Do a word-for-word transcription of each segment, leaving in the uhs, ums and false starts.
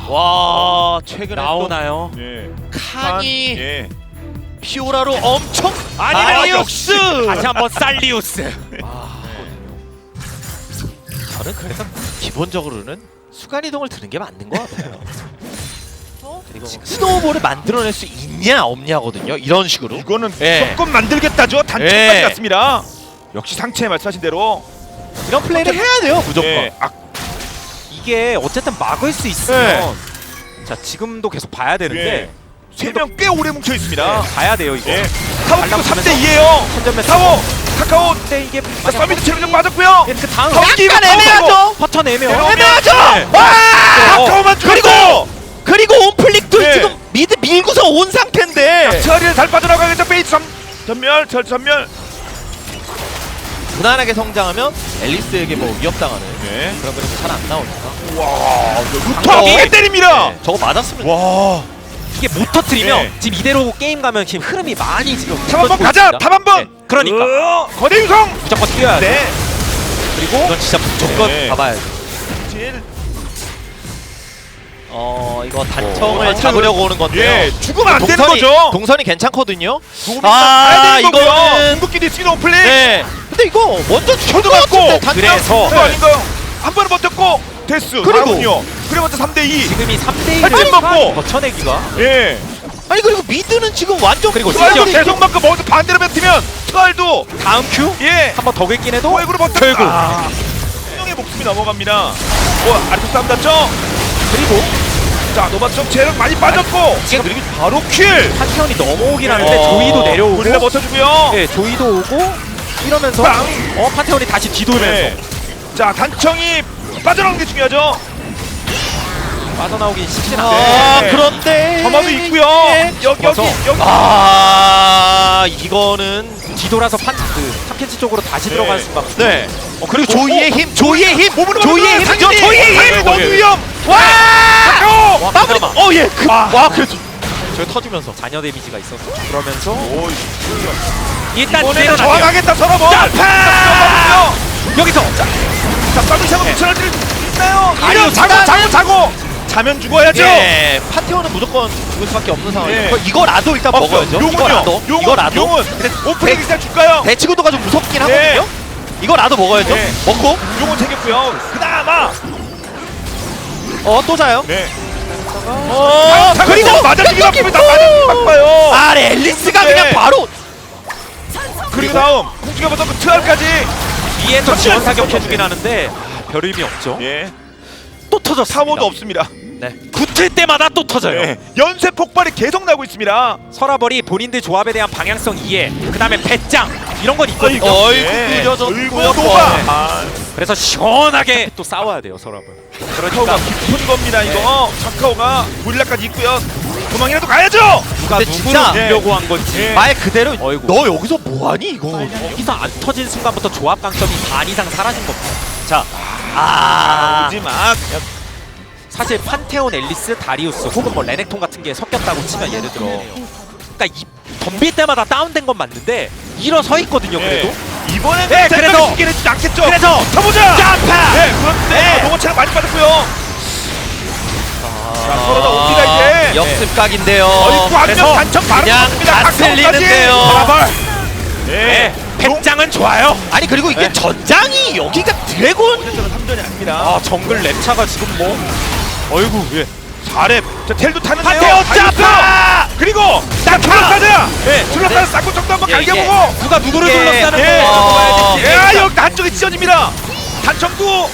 와 최근에 나오나요? 예. 또 칸이 예. 피오라로 엄청 아니메리우스! 아니메리우스! 다시 한번 살리우스! 저는 그래서 기본적으로는 순간 이동을 드는 게 맞는 것 같아요. 그리고 스노우볼을 만들어낼 수 있냐 없냐거든요. 이런 식으로. 이거는 예. 조금 만들겠다죠. 단점까지 예. 갔습니다. 역시 상체 말씀하신 대로. 이런 플레이를 해야 돼요 무조건. 예. 아, 이게 어쨌든 막을 수 있으면 자 지금도 계속 봐야 되는데 예. 세 명 꽤 오래 뭉쳐 있습니다. 네, 봐야 돼요 이거. 예. 타워 발랑 삼 대 가면서 이에요. 선전매 타워 카카오. 근데 이게 자, 서비스 체력 좀 맞았고요. 그 다음 타워 끼고 약간 애매하죠. 퍼턴 애매해. 내려오면- 애매하죠. 네. 와! 카카오만 그리고 죽었고. 그리고 온플릭도 네. 지금 미드 밀고서 온 상태인데 처리를 잘 빠져나가겠죠. 페이지 전 전멸, 절 전멸. 무난하게 성장하면 앨리스에게 뭐 위협당하는 네. 그런 그림이 잘 안 나오니까. 와, 루터 방금- 이게 때립니다. 네, 저거 맞았으면 와, 이게 못 터트리면 네. 지금 이대로 게임 가면 지금 흐름이 많이 지금 탑 한번 무너지고 가자. 있습니다. 탑 한번. 네, 그러니까 어, 거대 유성. 무조건 뛰어야 돼. 네. 그리고 이건 진짜 무조건 네. 잡아야죠. 질. 어 이거 단청을 어, 잡으려고 오는 건데요. 예, 죽으면 안 되는 동선이, 거죠. 동선이 괜찮거든요. 조금 아, 가야 되는 거고요. 이거는- 궁극기도 있으면 오플릭. 네. 근데 이거 먼저 죽을 저도 것 맞고. 같은데 단청. 그래서- 그거 아닌가요? 한 번은 버텼고 데스. 그리고- 다음은요. 그래 먼저 삼 대 이. 지금이 삼 대 팔 점 일을 먹고. 버텨내기가 예. 아니 그리고 미드는 지금 완전 그리고 트알도 심지어 계속 맞고 먹어서 반대로 뱉으면 트알도 다음 큐 예. 한 번 더 긁긴 해도 포획으로 버텼. 결국 아, 신용의 목숨이 넘어갑니다. 어, 아래쪽 싸움 났죠? 그리고 자, 노바 좀 체력 많이 빠졌고. 지금 그리고 바로 킬. 판테온이 넘어오긴 하는데 어, 조이도 내려오고 우리가 버텨주고요. 네, 조이도 오고 이러면서 빵! 어 판테온이 다시 뒤돌면서 네. 자, 단청이 빠져나오는 게 중요하죠. 빠져나오긴 쉽진 아 않은데 네. 그런데 점화도 있고요. 예. 여기 여기 와서. 여기. 아 이거는 뒤돌아서 판그 탑켄치 쪽으로 다시 네. 들어가는 순간 네. 어, 그리고 오, 조이의 오, 힘, 조이의 힘, 몸으로 조이의 맞으면 힘이죠. 상진이! 조이의 힘. 상진이 너무 위험. 와! 카카오. 와 마무리. 그나마 어 예. 그, 와. 와 그래도 저 터지면서. 잔여 데미지가 있어서 그러면서 오, 일단 이번에는 내려놔요. 저항하겠다 서러버. 점파! 여기서 자, 자, 서비스하고 붙여놨을 있나요? 아니요, 이런 자고 자고, 자고 자고. 자면 죽어야죠. 예. 파티오는 무조건 죽을 수밖에 없는 상황이에요. 예. 그 이거라도 일단 없어요. 먹어야죠. 용은요. 이거라도. 용은, 이거라도. 용은. 근데 오프닝 대- 일단 줄까요? 대치구도가 좀 무섭긴 네. 하거든요. 이거라도 먹어야죠. 네. 먹고 용은 챙겼고요. 그나마. 어 또 자요. 네. 어 자, 그리고 맞아주기 바쁩니다. 맞아주기 바빠요. 아 앨리스가 네. 그냥 바로 그리고 다음 공주가 받았고 트알까지. 위에서 지원 사격해주긴 하는데 별 의미 없죠. 예. 또 터졌습니다. 사고도 없습니다. 네. 붙을 때마다 또 터져요. 예. 연쇄 폭발이 계속 나고 있습니다. 서라벌이 본인들 조합에 대한 방향성 이해, 그 다음에 배짱 이런 건 있거든요. 어이구, 예. 느려졌고요. 어이구, 노바. 네. 아, 그래서 시원하게 또 싸워야 돼요 서라벌. 카카오가 깊은 겁니다. 이거 카카오가 고릴라까지 있고요. 도망이라도 가야죠. 누가 근데 누구를 진짜- 밀려고 한 건지. 예. 말 그대로 어이구. 너 여기서 뭐하니 이거. 여기서 안 터진 순간부터 조합 강점이 반 이상 사라진 겁니다. 자, 아 오지 마. 사실 판테온, 앨리스, 다리우스 혹은 뭐 레넥톤 같은 게 섞였다고 치면 예를 들어, 그러니까 이 덤빌 때마다 다운된 건 맞는데 일어서 있거든요. 그래도. 이번엔 네, 그래서- 죽긴 했지 않겠죠. 그래서 쳐보자. 점파! 네, 그런데 네. 농어 체력 많이 빠졌고요. 자, 서로 다 옵니다 이제. 역습각인데요. 어이구 한명 그래서 단청 바로 그냥 나옵니다. 다 쓸리는데요. 서라벌. 네, 네. 배짱은 좋아요. 아니 그리고 이게 네. 전장이 여기가 드래곤. 저는 삼 전이 아닙니다. 아 정글 랩차가 지금 뭐 어이구 예. 사 렙. 자, 텔도 타는데요. 판테온 다이어트! 짜파! 그리고 자, 둘러싸자. 네. 둘러싸자. 쌍구 정도 한번 예, 이게- 갈겨보고. 누가 누구를 이게- 둘러싸는 예. 거 어. 야, 여기 한쪽이 찢어집니다. 단청도.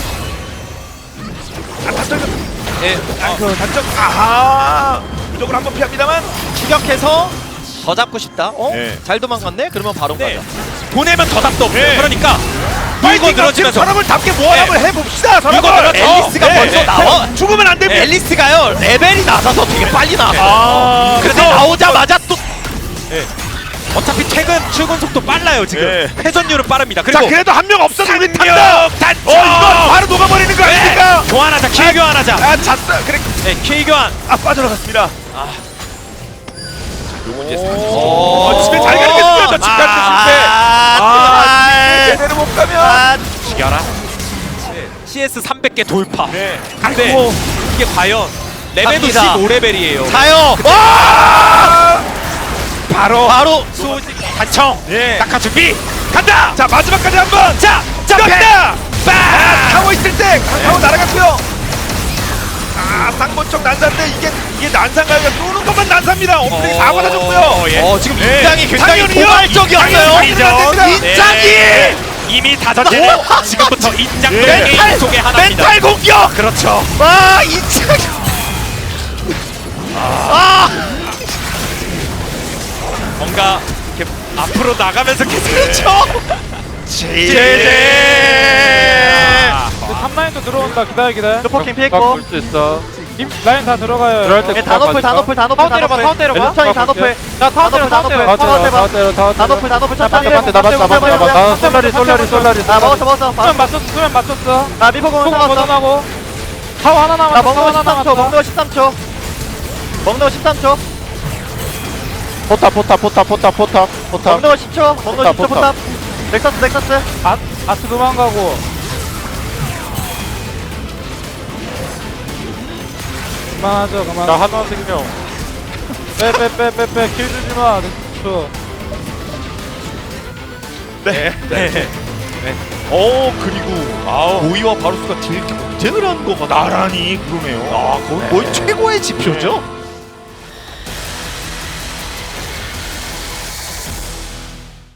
아, 단청. 예. 아, 그 단청. 아하. 무조건 한번 피합니다만. 추격해서 더 잡고 싶다. 어? 네. 잘 도망갔네. 그러면 바로 네. 가자. 보내면 더 답도 없어요. 네. 그러니까 물고 파이팅 지금 늘어지면서 사람을 답게 모아 한번 해봅시다. 물고 사람을. 늘어져. 앨리스가 네, 벌써 네. 나와. 죽으면 안 됩니다. 앨리스가요 레벨이 낮아서 되게 빨리 나와. 아, 그래서 나오자마자 또 어차피 퇴근 출근 속도 빨라요 지금. 네. 회전율은 빠릅니다. 자, 그리고 그래도 한 명 없어서 우리 상력 탄다. 단청! 어, 이거 바로 녹아버리는 거 아닙니까? 교환하자. 킬 교환하자. 아, 잤어. 그래. 네, 킬 교환. 아, 빠져나갔습니다. 오. 어, 집에 잘 가겠습니다. 저 집 가는 데 실패. 아, 아, 아, 제대로 못 가면. 아, 죽여라. 씨에스 삼백 개 돌파. 네. 근데 아이고. 이게 과연 레벨도 갑니다. 십오 레벨이에요. 가요. 바로 바로 수호지 단청. 예. 낙하 준비. 간다. 자 마지막까지 한번. 자, 간다. 빠. 아, 타고 있을 때 타고 날아갔고요. 아 쌍권총 난사인데 이게 이게 난사인가요? 쏘는 것만 난사입니다. 엄플이 다 받아줬고요. 예. 어, 지금 네. 인장이 굉장히 당연히요. 포괄적이었어요. 당연히 인장이. 네. 이미 다 던지는 지금부터 인장 네. 게임 속의 하나입니다. 멘탈 공격. 그렇죠. 와, 인장. 아. 뭔가 이렇게 앞으로 나가면서 계속 그렇죠. 제제. 아, 탑 라인도 들어온다. 기다려 기다려. 슈퍼킹 피했고. 볼수 있어. 임 라인 다 들어가요. 들어갈 때 예, 다 높을 다 높을 다 높을 다 높을. 타운 때려봐. 천천히 다 높을. 자 타운 때려 타운 때려. 다 타운 때려 다 때려 다 다 높을 다 높을 천천히. 나한테 나한테 나한테 나한테 나 솔라리 솔라리 솔라리 아, 먹었어 먹었어. 수면 맞췄어. 수면 맞췄어. 아, 미포 공은 속 상관없어. 벗어나고. 타워 하나 남았어. 나 타워 먹는 거 하나 십삼 초. 남았어. 먹는 거 십삼 초. 먹는 거 십삼 초. 포탑 포탑 포탑 포탑 포탑 포탑 먹는 거 십 초. 먹는 거 십 초 포탑, 포탑. 넥서스 넥서스. 아 아트 도망가고. 그만하죠 그만. 나 하나 생명 빼빼빼빼빼 킬 주지 마. 저. 네. 네. 어, 그리고 아, 오이와 바루스가 딜 경쟁을 한 거가 나란히 그러네요. 아, 거의 거의 최고의 지표죠.